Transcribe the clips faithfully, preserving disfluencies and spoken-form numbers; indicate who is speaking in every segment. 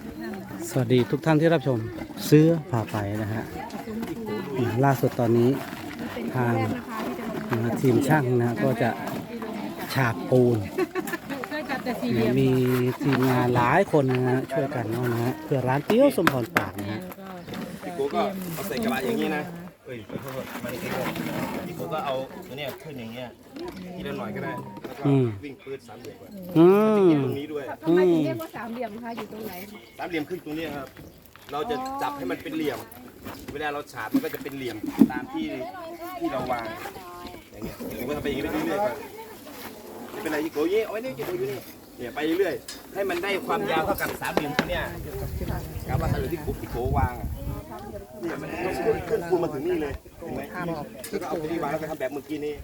Speaker 1: สวัสดีทุกท่านที่รับชมเสื้อพาไปนะฮะล่าสุดตอนนี้ทางทีมช่างนะก็จะฉาบปูนมีทีมงานหลายคนนะฮะช่วยกันเนาะนะฮะเพื่อร้านเตี้ยวสมพรปากนะฮะ
Speaker 2: พี่กูก็เอาใส่กระบะอย่างนี้นะเอ้ยขอโทษมาในคลิปพี่กูก็เอาตัวเนี้ยขึ้นอย่างเงี้ยทีละหน่อยก็ได้แล้วก็วิ่งปืดสามเหลี่ยม
Speaker 1: อืม
Speaker 2: ตรงนี้ด้วย
Speaker 3: ทำไมถึงเรียกว่าสามเหลี่ยมคะอยู่ตรงไหน
Speaker 2: สามเหลี่ยมขึ้นตรงนี้ครับเราจะจับให้มันเป็นเหลี่ยมเวลาเราฉาบมันก็จะเป็นเหลี่ยมตามที่ที่เราวางอย่างเงี้ยผมก็ทำไปอย่างนี้ไปเรื่อยๆครับไม่เป็นไรยี่โก้ยี่เอาไว้นี่ยี่โก้อยู่นี่เนี่ยไปเรื่อยๆให้มันได้ความยาวเท่ากับสามเหลี่ยมตัวเนี้ยกับว่าที่กุ๊กที่โกวางเนี่ยมันขึ้นคูณมาถึงนี่เลยเห็นไหมแล้วก็เอาตัวนี้วางแล้วก็ทำแบบเมื่อกี้นี้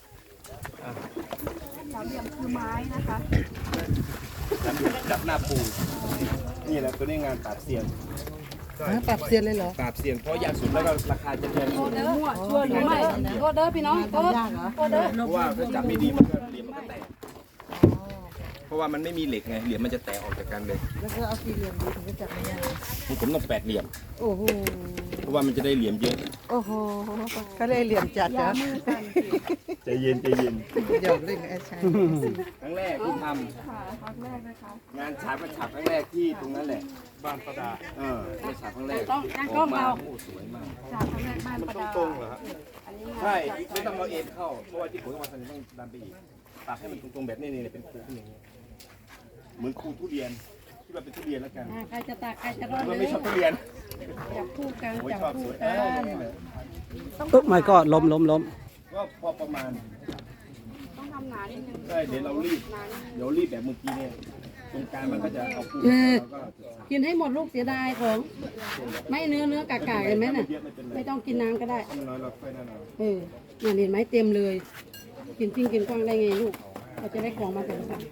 Speaker 3: สามเหลี่ยมคือไม้นะคะ
Speaker 2: สามเหลี่ยมจับหน้าปูนี่แหละตัวนี้งานปราบเซียน
Speaker 4: ปรับเซียนเลยเหรอ
Speaker 2: ปราบเซียนเพราะยากสุดแล้วก็ราคาจะแพงสุด
Speaker 3: โอเดอร์ชัวร์หรือไม่โอเดอร์พี่น้องโอโอเดอร์
Speaker 2: เพราะว่าถ้าจับไม่ดีมันก็เหลี่ยมมันก็แตกเพราะว่ามันไม่มีเหล็กไงเหลี่ยมมันจะแตกออกจากกันเลย
Speaker 4: แล้วก็เอาสี่เหลี่ยมดีถึงจะจับไม่ยาก
Speaker 2: ผมต้องแปดเหลี่ยม
Speaker 4: โอ้โห
Speaker 2: เพราะว่ามันจะได้เหลี่ยมเยอะ
Speaker 4: โอ้โหเขาได้เหลี่ยมจัดนะ
Speaker 2: ใจเย็นใจเย็น
Speaker 4: หยอกเล่นไอ้ชาย
Speaker 2: ครั้งแรกที่ทำ
Speaker 3: ครั้งแรกนะคะ
Speaker 2: งานฉาบก็ฉาบครั้งแรกที่ตรงนั้นแหละบ้านประดาเออฉาบครั้งแรก
Speaker 3: ต้องตั้งกล้องเรา
Speaker 2: โอ้สวยมาก
Speaker 3: ฉาบครั้งแรกบ้านประดา
Speaker 2: ตรงเหรอครับใช่ไม่ต้องเอาเอ็นเข้าเพราะว่าที่ผมมาทำต้องดันไปอีกตัดให้มันตรงๆแบบนี้นี่เป็นคูขึ้นอย่างนี้เหมือนคูทุเรียนที่ว่าเป็นทุเรียนแล้วกัน
Speaker 3: ใครจะตักใครจะรอด
Speaker 2: มันไม่ชอบทุเรียน
Speaker 3: จับคู่กันจับคู่
Speaker 2: กัน
Speaker 1: ตุ๊กไม่ก็ล้มล้มล้ม
Speaker 2: ก็พอประมาณ
Speaker 3: ต้องทำหนานิดนึง
Speaker 2: ใช่เดี๋ยวเรารีบเดี๋ยวรีบแบบเมื่อกี้เนี่ยตรงกลางมันก็จะเอาปู
Speaker 3: กินให้หมดลูกเสียดายของไม่เนื้อเนื้อกากๆเห็นไหมน่ะไม่ต้องกินน้ำก็ได้เออเนี่ยเห็นไหมเต็มเลยกินจริงกินกว้างได้ไงลูกเราจะได้ของมาแต่ละฝั่ง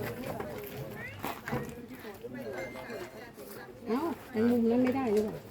Speaker 3: เอ้าแตงมุมนั้นไม่ได้หรือเปล่า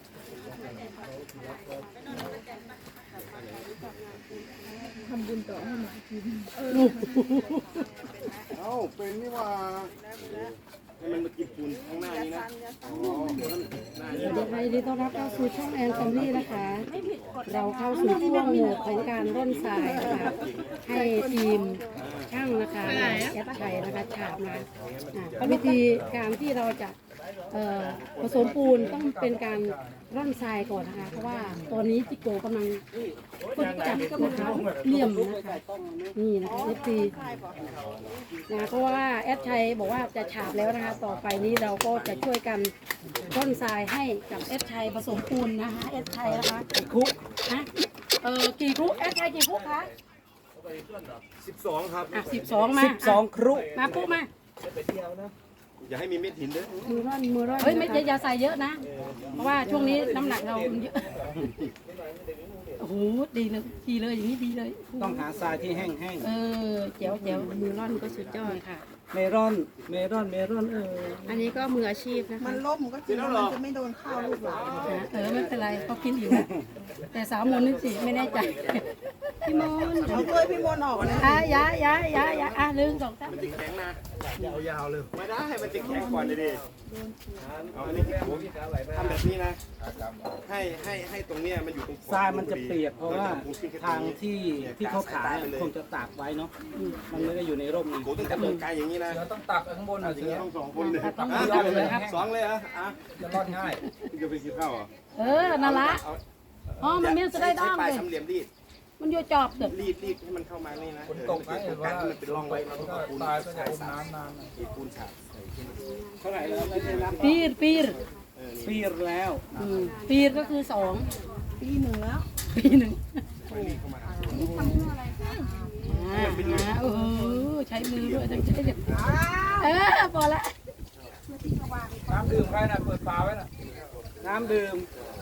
Speaker 3: ทำบุญต่อให้หมากินเออ
Speaker 2: เอ้าเป็นนี่ว่าให้มันมากินปูนข้างหน้านี้นะ
Speaker 3: สวัสดีค่ะยินดีต้อนรับเข้าสู่ช่องแอนซัมลี่นะคะเราเข้าสู่ช่วงโหมดของการร่อนทรายนะคะให้ทีมช่างนะคะแอดชัยนะคะฉาบมาวิธีการที่เราจะผสมปูนต้องเป็นการร่อนทรายก่อนนะคะเพราะว่าตอนนี้จิโกกำลังฝึกจับนะคะเหลี่ยมนะคะนี่นะคะเอฟซีนะเพราะว่าแอดชัยบอกว่าจะฉาบแล้วนะคะต่อไปนี้เราก็จะช่วยกันร่อนทรายให้กับแอดชัยผสมปูนนะคะแอดชัยนะคะกี่คุกนะเออกี่คุกแอดชัยกี่คุกคะ
Speaker 2: สิบสองครับ
Speaker 3: อ่ะสิบสองมา
Speaker 1: สิบสองครุ
Speaker 3: มาปุ๊มา
Speaker 2: อย่าให้มีเม็ดหินด้วย
Speaker 3: มือร่อนมือร่อนเฮ้ยไม่อย่าใส่เยอะนะเพราะว่าช่วงนี้น้ำหนักเราเยอะโอ้โหดีเลยดีเลยอย่างนี้ดีเลย
Speaker 1: ต้องหาทรายที่แห้งแห้ง
Speaker 3: เออเจ๋วเจ๋วมือร่อนก็สุดยอดค่ะ
Speaker 1: เมรอนเมรอนเมรอนเออ
Speaker 3: อันนี้ก็มืออาชีพนะคะ
Speaker 4: มันล่มก็จริงมันจะไม่โดนข้าวลูกหลาน
Speaker 3: เออไม่เป็นไรเขากินอยู่แต่สาวมนนี่สิไม่แน่ใจพี่มน
Speaker 4: เอาถ้วยพี่มนออกนะ
Speaker 3: อ่ะยะยะยะยะอ่ะลืมสองตั้ง
Speaker 2: มันจะแข็งนะยาวๆเลยไม่ได้มันจะแข็งก่อนเลยดิเอาอันนี้ที่ผมทำแบบนี้นะให้ให้ให้ตรงเนี้ยมันอยู่ตรง
Speaker 1: ทรายมันจะเปียกเพราะว่าทางที่ที่เขาขายคงจะตากไว้เนาะมันไม่ได้อยู่ในร่ม
Speaker 2: กูต้องจับตรงกลางอย่างนี้นะ
Speaker 5: ต้องตักข้างบน
Speaker 2: อ่ะ
Speaker 5: อย่างเงี้ย
Speaker 2: ต้องสองคนเลยสองเลยอ่ะอ่ะ
Speaker 5: จะรอดง่าย
Speaker 2: จะไปกินข้าวอ่ะ
Speaker 3: เออนั่นละอ๋อมันมีจะได้ด้าม
Speaker 2: เลย
Speaker 3: ท
Speaker 2: ำเหลี่ยมรีด
Speaker 3: มันโยจอบเด็ด
Speaker 2: รีดรีดให้มันเข้ามานี่นะ
Speaker 5: ตกนะเห็นว่า
Speaker 2: มันเป็นร่องไว้เราต้องปูน
Speaker 5: ตายก็จะอมน้ำนาน
Speaker 2: อีปูนฉาบ
Speaker 1: เท่าไหร่แล้วได้รับ
Speaker 3: ปีรปีร
Speaker 1: ปีรแล้ว
Speaker 3: ปีรก็คือสอง
Speaker 4: ปีหนึ่งแล้ว
Speaker 3: ปีหนึ่งนี่ทำเพื่ออะไรคะอ่าโอ้โหใช้มือด้วยทั้งใช้เด็ดเออพอละ
Speaker 5: น้ำดื่มใครน่ะเปิดฝาไว้น่ะ
Speaker 1: น้ำดื่ม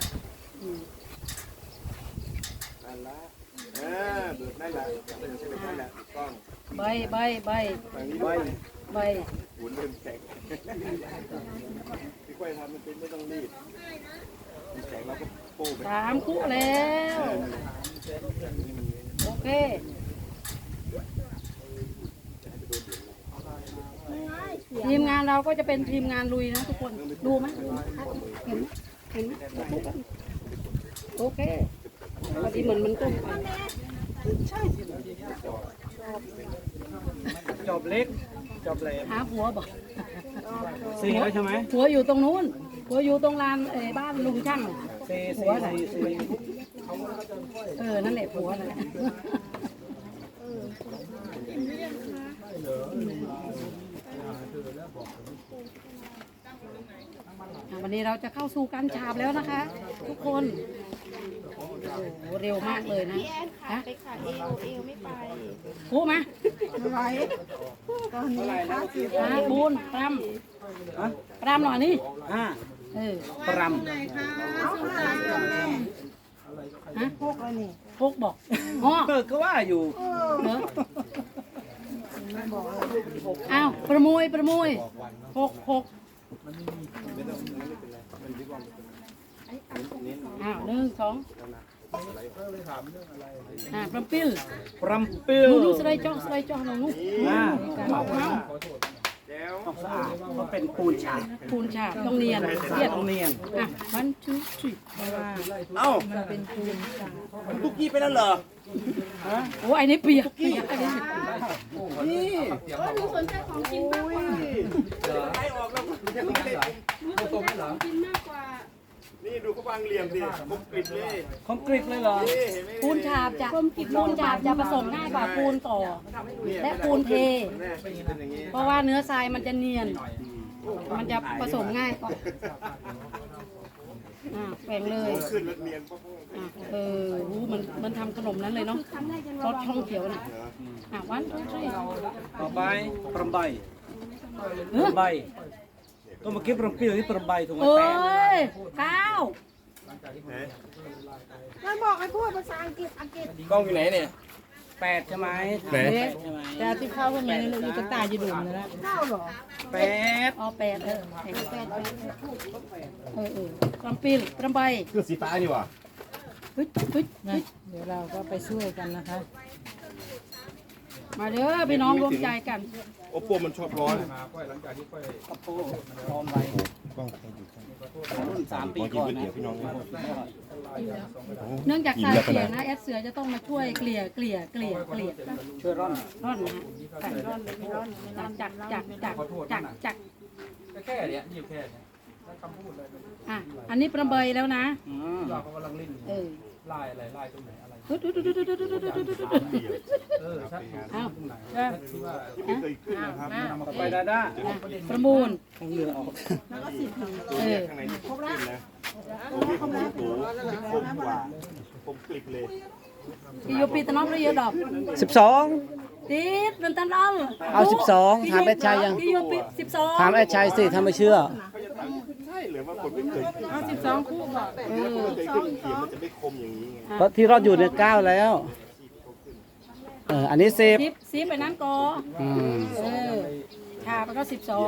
Speaker 2: นั่นละอ่าเบิดนั่นแหละเป็นใช่ไหมนั่นแหละถูกต้อง
Speaker 3: ใบใบใบ
Speaker 2: ใบ
Speaker 3: ใบ
Speaker 2: หุ่นเริ่มแข็งพี่ก้อยทำมันเป็นไม่ต้องรีบแข็งเราก็โป้ไป
Speaker 3: สามคู่แล้วโอเคทีมงานเราก็จะเป็นทีมงานลุยนะทุกคนดูไหมดูไหมเห็นไหมเห็นไหมโอเคพอดีเหมือนมันตุ้ม
Speaker 5: จอบเล็กจอบแหลม
Speaker 3: หาผัวบอก
Speaker 5: สี่แล้วใช่ไหม
Speaker 3: ผัวอยู่ตรงนู้นผัวอยู่ตรงลานเอ่อบ้านลุงช่างน่ะ
Speaker 5: สี่
Speaker 3: ผั
Speaker 5: สี่
Speaker 3: วน่ะ
Speaker 5: สี่สี่
Speaker 3: เออนั่นแหละผัวน่ะอ่ะวันนี้เราจะเข้าสู่การฉาบแล้วนะคะ ทุกคนโอ้โหเร็วมากเลยนะฮะ
Speaker 4: ไปค่ะเอวเอวไม่ไป
Speaker 3: พูดมา
Speaker 4: ไม่ไหวตอนนี้ค่ะคือ
Speaker 3: อ่ะปูนปรำปรำหน่อยนี่
Speaker 5: ห้า
Speaker 3: เออ
Speaker 5: ปร
Speaker 4: เอาค่ะแม่
Speaker 3: ฮะ
Speaker 4: พกเลยนี่
Speaker 3: พกบอกอ๋อ
Speaker 5: ำเกิดก็ว่าอยู่
Speaker 3: เหรออ้าวประมวยประมวยหกหกอ้าวหนึ่งสองอ่าปรำปิ้ล
Speaker 5: ปรำปิ้ว
Speaker 3: ดูดูสไลด์จ่อสไลด์จ่อน้องนุ๊ก
Speaker 5: อ่า
Speaker 3: เอาเอา
Speaker 5: ต้องสะอาดเพราะเป็นปูนฉาบ
Speaker 3: ปูนฉาบต้องเนียนเสียด
Speaker 5: ต้องเนียน
Speaker 3: อ่ะวันทูทรี
Speaker 2: เอ้าตุ๊กกี้ไปแล้วเหรอ
Speaker 3: โอ้ไอ้นี่เปียกเปียกอันนี้
Speaker 2: นี่ นี่ดูเขาวางเหลี่ยมดิมุกกริบเลย
Speaker 5: คอมกริตเลยเหรอ
Speaker 2: นี่เห็นไหม
Speaker 3: ปูนฉาบจะปูนฉาบจะผสมง่ายกว่าปูนต่อ และปูนเท
Speaker 2: แน่เป็นอย่างนี้
Speaker 3: เพราะว่าเนื้อทรายมันจะเนียน มันจะผสมง่ายกว่าอ่าแบ่งเลย
Speaker 2: ขึ้นแล้วเนียนปุ๊บ
Speaker 3: อ่ะเออหูมันมันทำขนมนั้นเลยเนาะรสช่องเขียวน่ะอ่ะวันทูทรี
Speaker 5: ต่อไปปรำใบ
Speaker 3: เอ
Speaker 5: ป
Speaker 3: อ
Speaker 5: รำใบก็เมื่อกี้ปรำปิ้วที่ปรำใบถูกไหม
Speaker 3: เอ้
Speaker 5: แปด
Speaker 3: ยก้าว
Speaker 4: มันบอกให้พูดภาษาอังกฤษอังกฤษ
Speaker 2: กล้องอยู่ไหนเนี่ย
Speaker 5: แปดใช่ไหม
Speaker 2: ไหน
Speaker 5: แปดใช่ไหม
Speaker 4: แต่ที่เข้าข้างในนี่ลูกกระต่ายจะดุมนะเข้าเหรอ
Speaker 5: แปด
Speaker 3: อ๋อแปดเออแปดแปดแปดเออเออลำปีนลำใบ
Speaker 2: คือสีฟ้านี่หว่า
Speaker 3: เฮ้ยเฮ้ยเฮ้ย
Speaker 4: เดี๋ยวเราก็ไปช่วยกันนะคะ
Speaker 3: มาเด้อพี่น้องรวมใจกัน
Speaker 2: โอปโปมันชอบร้อน
Speaker 5: กระโปงพร้อมไว้
Speaker 2: กล้อง
Speaker 5: รุ่นสามปี
Speaker 2: กิน
Speaker 5: ก่อน
Speaker 2: ก๋วย
Speaker 5: นะ
Speaker 2: เตี๋ยวพี่น้อง
Speaker 3: เนื่องจากสายเสียนะแอดเสือจะต้องมาช่วยเกลี่ยเกลี่ยเกลี่ยเกลี่ย
Speaker 5: ช่วยร่อน
Speaker 3: ร่อนนะฮะใส่ร่อนเลยไม่ร่อนจักจักจักจักจัก
Speaker 5: แค่เนี้ยอยู่แค่เนี้ยคำพูดเลย
Speaker 3: อ่ะอันนี้ประเบยแล้วนะ
Speaker 5: อืมเรากำลังเล่น
Speaker 3: เออ
Speaker 5: ไล่อะไรไล่ตรงไหนอะไร
Speaker 3: ดุดดุดดุดดุดดุดดุดดุดดุดดุดดุด
Speaker 5: เออชัด
Speaker 3: อ้าว
Speaker 5: เออที่ว่า
Speaker 2: ไม่เคยขึ้นนะครับ
Speaker 5: ต่อไปดาด้า
Speaker 3: ประมูล
Speaker 5: ต้องเรือออก
Speaker 3: เออ
Speaker 2: ข้างในนี่ขึ้นนะโอ้พี่ผมดูตูคมกว่าผมกริบเลย
Speaker 3: ที่อยู่ปีตะนอกหรือเยอะดอก
Speaker 1: สิบสอง
Speaker 3: ติดเป็นตันเอา
Speaker 1: เอาสิบสองถามแอดชัยยัง
Speaker 3: ที่อยู่ปีสิบสอง
Speaker 1: ถามแอดชัยสิถ้าไม่เชื่อ
Speaker 2: ใช่หรือว่าคนไม่เคยขึ้น
Speaker 4: เอาสิบสองคู่บอก
Speaker 2: เออไม่เคยขึ้นเขียนมันจะไม่คมอย่างนี้ไง
Speaker 1: เพราะที่รอดอยู่เนี่ยเก้าแล้ว เออ อันนี้สิบ
Speaker 3: สิบสิบไปนั้นก่อ
Speaker 1: อืม
Speaker 3: เออชาไปก็สิบสอง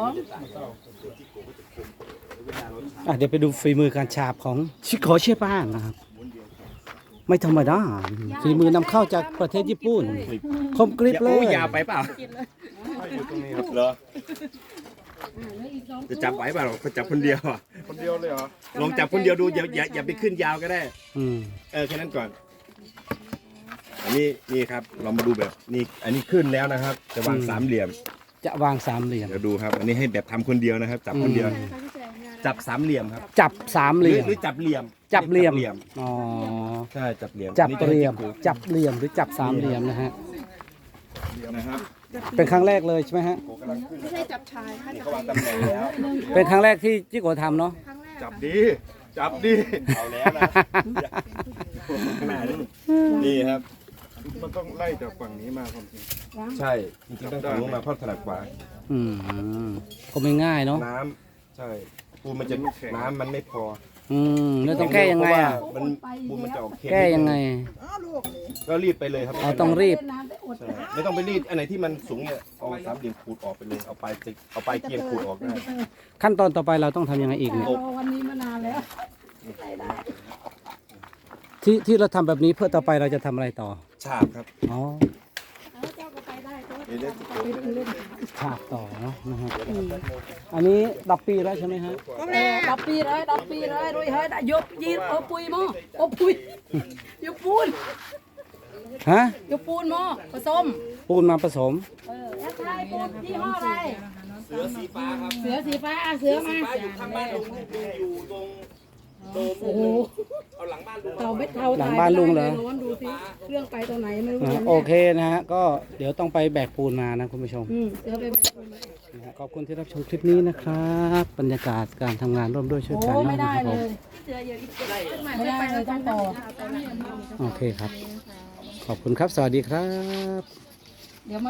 Speaker 1: อ่ะเดี๋ยวไปดูฝีมือการฉาบของชิโกเชป้านนะครับ ไม่ธรรมดา ฝีมือนำเข้าจากประเทศญี่ปุ่น คมกริบเลย
Speaker 2: ยาวไปเปล่าเหรอจะจับไหวเปล่าเขาจับคนเดียวอ่ะ
Speaker 5: คนเดียวเลยเหรอ
Speaker 2: ลองจับคนเดียวดูอย่าอย่าอย่าไปขึ้นยาวก็ได้
Speaker 1: อืม
Speaker 2: เออแค่นั้นก่อน อันนี้นี่ครับเรามาดูแบบนี่อันนี้ขึ้นแล้วนะครับ จะวางสามเหลี่ยม
Speaker 1: จะวางสามเหลี่ยม
Speaker 2: เดี๋ยวดูครับ อันนี้ให้แบบทำคนเดียวนะครับ จับคนเดียว จับสามเหลี่ยมครับ
Speaker 1: จับสาม
Speaker 2: ห
Speaker 1: เห
Speaker 2: รือ
Speaker 1: ลี่ยม
Speaker 2: หรือจับเหลี่ยม
Speaker 1: จับเหลี่ยม
Speaker 2: เหลี่ยม
Speaker 1: อ๋อ
Speaker 2: ใช่จับเหลี่ยม
Speaker 1: จับ
Speaker 2: นี่จะ
Speaker 1: เหลี่ยม
Speaker 2: ให้
Speaker 1: จับเหลี่ยมหรือจับสามเหลี่ยมนะฮะ
Speaker 2: นะครับ
Speaker 1: เป็นครั้งแรกเลยใช่ไหมฮะ
Speaker 2: โกกำลังขึ้น
Speaker 4: ไม่ใช่จับชายค่ะ
Speaker 2: นี่เขาวางตำแหน่งแล้ว
Speaker 1: เป็นครั้งแรกที่จิโกทำเนาะ
Speaker 4: ครั้งแรก
Speaker 2: จับดี จับดี เอาแล้วนะแม่นี่นี่ครับ
Speaker 5: มันต้องไล่จากฝั่งนี้มาความจริง
Speaker 2: ใช่ จริงๆต้องฝั่งนู้นมาเพราะถนัดกว่า
Speaker 1: อืมก็ไม่ง่ายเนาะ
Speaker 2: น้ำใช่ปูมันจะน้ำมันไม่พอ
Speaker 1: อืมแล้วต้องแก้ยังไงอ่ะ
Speaker 2: เพราว่ามันปูมันจะออกเค็ม
Speaker 1: แก้ยังไง
Speaker 4: อ้าวลูกนี่
Speaker 2: ก็รีดไปเลยครับ
Speaker 1: อ๋อต้องรีบ
Speaker 2: ใช่ไม่ต้องไปรีดอันไหนที่มันสูงเนี่ยเอาสามเหลี่ยมขูดออกไปเลยเอาปลายจิกเอาปลายเกียงขูดออกได้
Speaker 1: ขั้นตอนต่อไปเราต้องทำยังไงอีกเนี่ย
Speaker 3: รอวันนี้มานานแล้ว
Speaker 1: ที่ที่เราทำแบบนี้เพื่อต่อไปเราจะทำอะไรต่อ
Speaker 2: ฉาบครับ
Speaker 1: อ๋อ
Speaker 3: เอาเจ้าก็ไปได้ตัว
Speaker 1: ฉาบต่อเนาะนะครับอันนี้ดับปีแล้วใช่ไหมฮะ
Speaker 3: เออดับปีเลยดับปีเลยรุยเฮ้ยยกยีนโอปุยหม้อโอปุยยกปูน
Speaker 1: ฮะ
Speaker 3: ยกปูนหม้อผสม
Speaker 1: ปูนมาผสม
Speaker 3: เออแอปไลน์ปูนยี่ห้ออะไร
Speaker 2: เสือสีฟ้าครับ
Speaker 3: เสือสีฟ้าอ่ะเสือมา
Speaker 2: ฟ้าอยู่ข้างบ้านลุงลุงอยู่ตรงโดม
Speaker 3: โอ้โห
Speaker 2: เอาหลังบ้านลุง
Speaker 3: เต่าเม็ดเทา
Speaker 1: หลังบ้านลุงเหรอ
Speaker 3: ร้อนดูสิเครื่องไปตรงไหนไม่รู้
Speaker 1: อ่า
Speaker 3: เนี่ย
Speaker 1: โอเคนะฮะก็เดี๋ยวต้องไปแบกปูนมานะคุณผู้ชม
Speaker 3: อืมเสือไป
Speaker 1: นะฮะขอบคุณที่รับชมคลิปนี้นะครับ บรรยากาศการทำงานร่วมด้วยช่วย
Speaker 3: โอ้
Speaker 1: กัน
Speaker 3: ไม่
Speaker 1: นะ
Speaker 3: ได้
Speaker 1: ครับ
Speaker 3: เล
Speaker 1: ผม
Speaker 3: ยไม่ได้เลยต้องต่อ
Speaker 1: โอเคครับ ขอบคุณครับ สวัสดีครับ
Speaker 3: เดี๋ยวมา